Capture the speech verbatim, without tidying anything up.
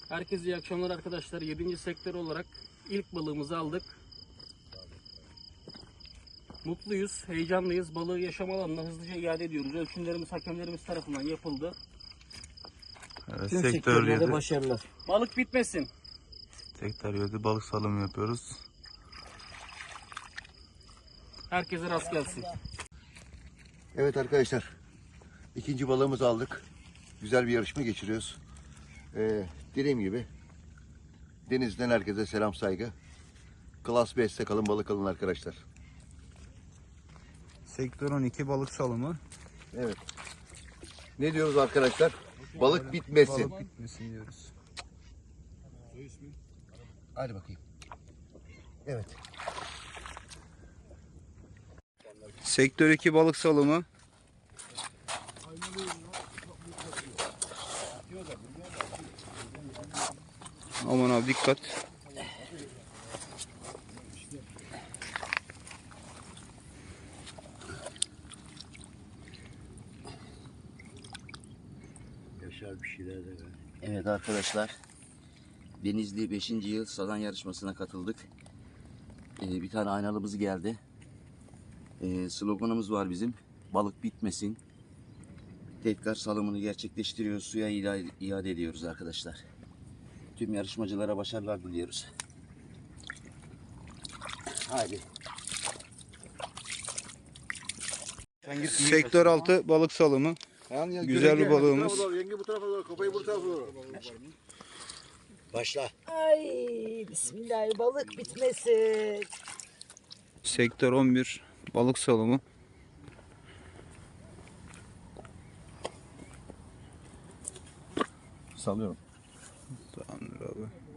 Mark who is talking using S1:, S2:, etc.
S1: Herkese iyi akşamlar arkadaşlar. yedinci sektör olarak ilk balığımızı aldık. Mutluyuz, heyecanlıyız. Balığı yaşam alanına hızlıca iade ediyoruz. Ölçümlerimiz hakemlerimiz tarafından yapıldı.
S2: Evet,
S1: Tüm
S2: sektör
S1: sektörlerde
S2: yedi.
S1: başarılar. Balık bitmesin.
S2: Sektör yedi balık salımı yapıyoruz.
S1: Herkese rast gelsin.
S3: Evet arkadaşlar, ikinci balığımızı aldık. Güzel bir yarışma geçiriyoruz. Ee, dediğim gibi denizden herkese selam saygı. Klas beşte kalın, balık alın arkadaşlar.
S2: Sektör on iki balık salımı.
S3: Evet. Ne diyoruz arkadaşlar? Balık bitmesin.
S2: Balık bitmesin diyoruz.
S3: Hadi bakayım. Evet.
S2: Sektör iki balık salımı. Aman abi dikkat.
S3: Yaşar bir şeyler de.
S4: Evet arkadaşlar, Denizli beşinci yıl sadan yarışmasına katıldık. Ee, bir tane aynalımız geldi. Ee, sloganımız var bizim, balık bitmesin. Tekrar salımını gerçekleştiriyoruz, suya iade, iade ediyoruz arkadaşlar. Tüm yarışmacılara başarılar diliyoruz. Haydi.
S2: Sektör altı balık salımı. Güzel bir balığımız.
S3: Yenge bu tarafa doğru, kafayı bu tarafa doğru. Başla.
S5: Ay bismillah, balık bitmesin.
S2: Sektör on bir balık salımı.
S3: Salıyorum.
S2: Tamamdır abi.